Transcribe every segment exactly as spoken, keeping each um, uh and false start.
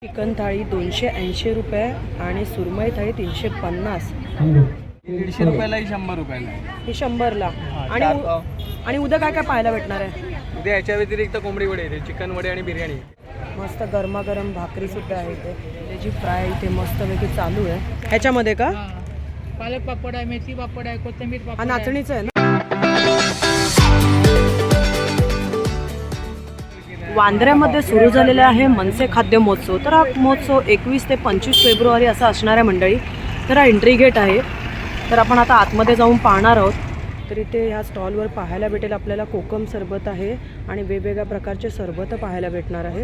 Chicken थाळी दोनशे ऐंशी रुपये आणि सुरमई थाळी तीनशे पन्नास. दीडशे रुपयाला ही शंभर रुपयाला आहे. ही शंभरला. आणि चार उ- पाव. आणि उद्या काय काय पाहायला भेटणार आहे? उद्या याच्या व्यतिरिक्त कोंबडी वडे येते, चिकन वडे आणि बिर्याणी. मस्त गरमागरम भाकरी सुद्धा आहे इथे. त्याची फ्राय इथे मस्तपैकी चालू आहे. ह्याच्यामध्ये का पालक पापड आहे, मेथी पापड आहे, कोथिंबीर हा पापड नाचणीचं आहे ना? वांद्र्यामध्ये सुरू झालेला आहे मनसे खाद्य महोत्सव. तर हा महोत्सव एकवीस ते पंचवीस फेब्रुवारी असा असणार आहे मंडळी. तर हा एंट्री गेट आहे. तर आपण आता आतमध्ये जाऊन पाहणार आहोत. तर इथे ह्या स्टॉलवर पाहायला भेटेल आपल्याला कोकम सरबत आहे आणि वेगवेगळ्या प्रकारचे सरबत पाहायला भेटणार आहेत.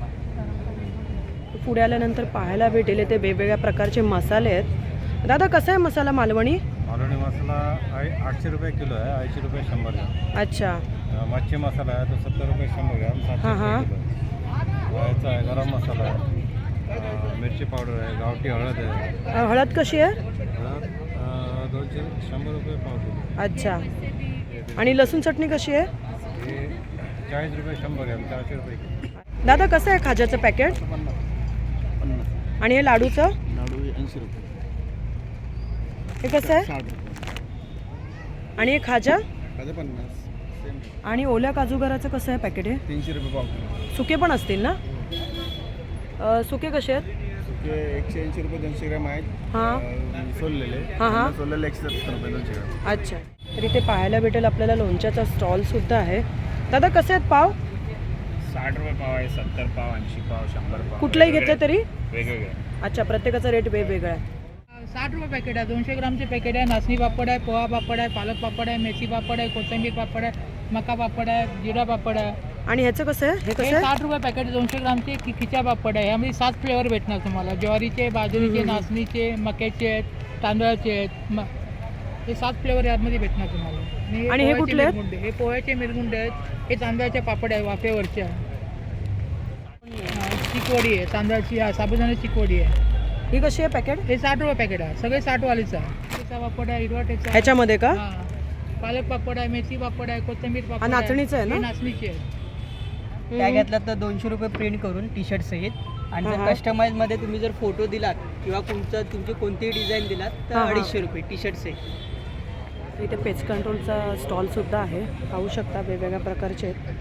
पुढे आल्यानंतर पाहायला भेटेल इथे वेगवेगळ्या प्रकारचे मसाले आहेत. दादा कसा आहे मसाला मालवणी? मालवणी मसाला आहे आठशे रुपये किलो आहे, ऐंशी रुपये शंभर ग्राम. अच्छा. अ, मच्छी मसाला आहे तो सत्तर रुपये शंभर ग्राम, सातशे हां, हां. रुपये किलो आहे. याचा आहे गरम मसाला आहे, अ, मिरची पावडर आहे, गावठी हळद आहे. अ, हळद कशी आहे? हळद अ, दोनशे शंभर रुपये पाव किलो. अच्छा. आणि लसूण चटणी कशी आहे? हे चाळीस रुपये शंभर ग्राम, चारशे रुपये किलो. दादा कसं आहे खाज्याचं पॅकेट? आणि हे लाडूचं लाडू ऐंशी रुपये. हे कसं आहे? साठ रुपये. आणि हे खाजा? माझं पन्नास. सेम. आणि ओल्या काजूगराचं कसं आहे पॅकेट? हे तीनशे रुपये पाव किलो. सुके पण असतील ना? अ, सुके कसे आहेत? ते एकशे ऐंशी रुपये दोनशे ग्राम आहेत. हां अं, सोललेले. हां, हां. सोललेले एकशे सत्तर रुपये दोनशे ग्राम. अच्छा. तर इथे पाहायला भेटेल आपल्याला लोणच्याचा स्टॉलसुद्धा आहे. दादा कसे आहेत पाव? साठ रुपये पाव आहे, सत्तर पाव, ऐंशी पाव, शंभर पाव. कुठलंही घेतलं तरी? वेगवेगळे. अच्छा, प्रत्येकाचा रेट वेगवेगळा आहे. साठ रुपये पॅकेट आहे, दोनशे ग्रामचे पॅकेट आहे. नाचणी पापड आहे, पोहा पापड आहे, पालक पापड आहे, मेथी पापड आहे, कोथिंबीर पापड आहे, मका पापड आहे, जिरा पापड आहे. आणि ह्याचं कसं आहे? हे हे कसं आहे? साठ रुपये पॅकेट दोनशे ग्रामचे खि खिचा पापड आहे. यामध्ये सात फ्लेवर भेटणार तुम्हाला. ज्वारीचे, बाजरीचे, नाचणीचे, मक्याचे आहेत, तांदळाचे आहेत. म हे सात फ्लेवर यामध्ये भेटणार तुम्हाला. आणि हे पोह्याचे कुठले आहेत? मिरगुंडे. हे पोह्याचे मिरगुंडे आहेत. हे तांदळाचे पापड आहे, वाफेवरचे आहे. हा, चिकवडी आहे, तांदळाची हा साबुदाण्याची चिकवडी आहे. ही कशी आहे पॅकेट? हे साठ रुपये पॅकेट आहे, सगळे साठ वालीच आहे. ठेचा पापड आहे, हिरवा ठेचा आहे. ह्याच्यामध्ये का? हा. पालक पापड आहे, मेथी पापड आहे, कोथिंबीर पापड हा नाचणीचं आहे ना? हे नाचणीचे आहे. त्या घेतला तर दोनशे रुपये प्रिंट करून टी शर्ट सहित. आणि हा, जर हा. कस्टमाइजमध्ये तुम्ही जर फोटो दिलात किंवा तुमचं तुमची कोणतीही डिझाईन दिलात तर हा, हा. अडीचशे रुपये टी शर्ट सहित. इथे पेस्ट कंट्रोलचा स्टॉलसुद्धा आहे. पाहू शकता वेगवेगळ्या प्रकारचे आहेत.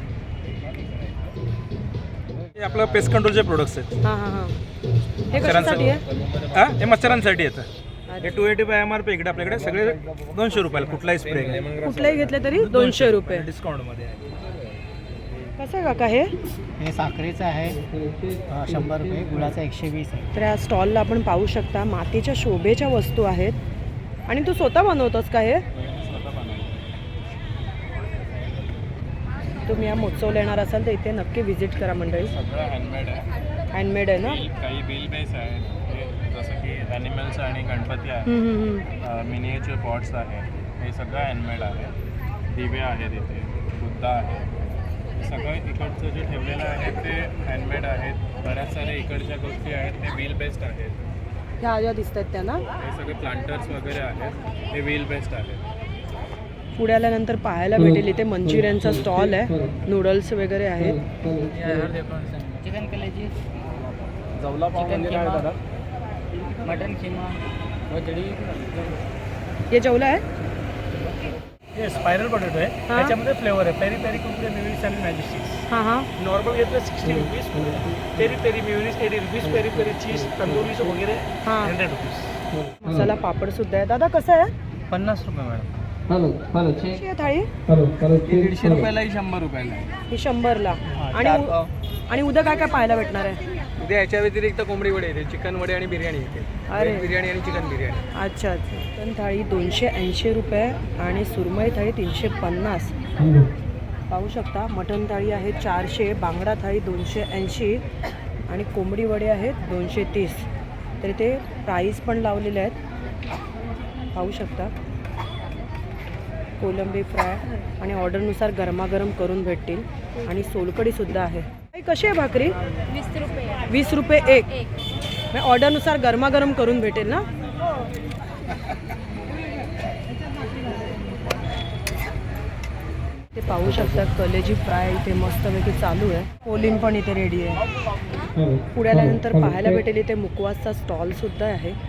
हे आपलं पेस्ट कंट्रोलचे प्रोडक्ट्स आहेत. हां हां हां. हे कशासाठी आहे? हा हे मच्छरांसाठी येतं. हे two eighty by M R P इकडे आपल्याकडे सगळे दोनशे रुपयाला कुठलाही स्प्रे कुठलेही घेतले तरी दोनशे रुपये. डिस्काउंटमध्ये आहे. कसं आहे काका हे? हे साखरेचं आहे शंभर रुपये, गुळाचं एकशे वीस आहे. तर या स्टॉलला आपण पाहू शकता मातीच्या शोभेच्या वस्तू आहेत. आणि तू स्वतः बनवतोस का हे? तुम्ही या महोत्सवला येणार असाल तर इथे नक्की व्हिजिट करा मंडळी. सगळं हँडमेड आहे. हँडमेड आहे ना? काही बिल बेस आहे, हे जसं की ॲनिमल्स आणि गणपती आहे, हम्म, हम्म, हम्म. मिनिएचर पॉट्स आहेत, हे सगळं हँडमेड आहे. दिवे आहेत इथे, बुद्ध आहे. सगळं इकडचं जे ठेवलेलं आहे ते हँडमेड आहेत. बऱ्याच साऱ्या इकडच्या गोष्टी आहेत ते व्हील बेस्ड आहेत. ह्या ज्या दिसत आहेत त्या ना? हे सगळे प्लांटर्स वगैरे आहेत, हे व्हील बेस्ड आहेत. पुढे आल्यानंतर पाहायला भेटेल इथे मंचुरियनचा स्टॉल आहे. नूडल्स वगैरे आहेत. चिकन कलेजी, जवला पाव म्हणजे काय दादा? मटन किमा, हे जेवलं आहे? हे स्पायरल पोटॅटो आहे. हा. त्याच्यामध्ये फ्लेवर आहे पेरी पेरी कुरकुरे मेयोनीज आणि मॅजिस्टिक्स. हां हां. नॉर्मल घेतलं sixty rupees, peri peri mayonnaise eighty rupees, peri peri cheese tandoori वगैरे हां. Hundred rupees. मसाला पापड सुद्धा आहे. दादा कसं आहे? पन्नास रुपये मॅडम. कशी आहे थाळी? हे दीडशे रुपयाला ही शंभर रुपयाला आहे. ही शंभरला. आणि चार उ- पाव. आणि उद्या काय काय पाहायला भेटणार आहे? उद्या याच्या व्यतिरिक्त कोंबडी वडे येते, चिकन वडे आणि बिर्याणी येते. अरे. व्हेज बिर्याणी आणि चिकन बिर्याणी. अच्छा अच्छा. चिकन थाळी दोनशे ऐंशी रुपये आणि सुरमई थाळी तीनशे पन्नास. पाहू शकता मटण थाळी आहे चारशे, बांगडा थाळी दोनशे ऐंशी आणि कोंबडी वडे आहेत दोनशे तीस. तर ते प्राईस पण लावलेले आहेत. पाहू शकता. कोलंबी फ्राय आणि ऑर्डरनुसार गरमागरम करून भेटतील. आणि सोलकडीसुद्धा आहे. ताई, कशी आहे भाकरी? वीस रुपये वीस रुपये एक. एक. मग ऑर्डरनुसार गरमागरम करून भेटेल ना? ते पाहू शकता कलेजी फ्राय इथे मस्तपैकी चालू आहे. कोलिम पण इथे रेडी आहे. पुढे आल्यानंतर पाहायला भेटेल इथे मुकवासचा स्टॉल सुद्धा आहे.